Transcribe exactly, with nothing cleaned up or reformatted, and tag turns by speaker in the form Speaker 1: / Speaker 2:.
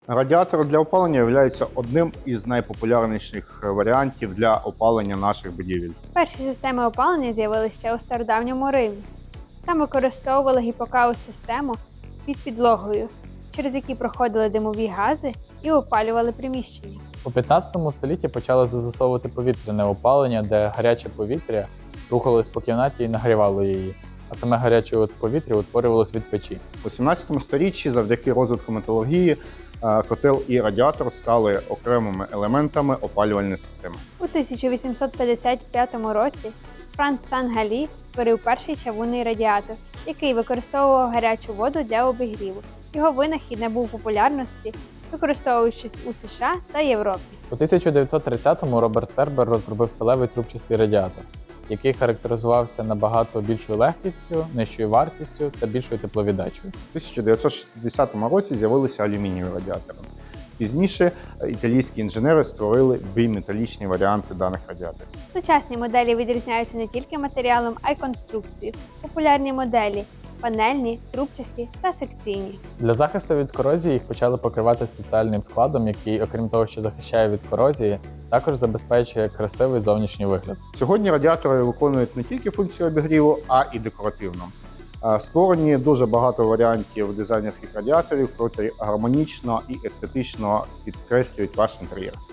Speaker 1: Радіатори для опалення являються одним із найпопулярніших варіантів для опалення наших будівель.
Speaker 2: Перші системи опалення з'явилися ще у стародавньому Римі. Там використовували гіпокаус-систему під підлогою, через які проходили димові гази і опалювали приміщення.
Speaker 3: У п'ятнадцятому столітті почали застосовувати повітряне опалення, де гаряче повітря рухалось по кімнаті і нагрівало її, а саме гаряче повітря утворювалось від печі.
Speaker 1: У сімнадцятому сторіччі завдяки розвитку металургії котел і радіатор стали окремими елементами опалювальної системи.
Speaker 2: У тисяча вісімсот п'ятдесят п'ятому році Франц Сан-Галі створив перший чавунний радіатор, який використовував гарячу воду для обігріву. Його винахід набув популярності, використовуючись у США та Європі.
Speaker 3: У тисяча дев'ятсот тридцятому Роберт Цербер розробив сталевий трубчастий радіатор, який характеризувався набагато більшою легкістю, нижчою вартістю та більшою тепловіддачею.
Speaker 1: У тисяча дев'ятсот шістдесятому році з'явилися алюмінієві радіатори. Пізніше італійські інженери створили біметалічні варіанти даних радіаторів.
Speaker 2: Сучасні моделі відрізняються не тільки матеріалом, а й конструкцією. Популярні моделі – панельні, трубчасті та секційні.
Speaker 3: Для захисту від корозії їх почали покривати спеціальним складом, який, окрім того, що захищає від корозії, також забезпечує красивий зовнішній вигляд.
Speaker 1: Сьогодні радіатори виконують не тільки функцію обігріву, а і декоративну. Створені дуже багато варіантів дизайнерських радіаторів, котрі гармонічно і естетично підкреслюють ваш інтер'єр.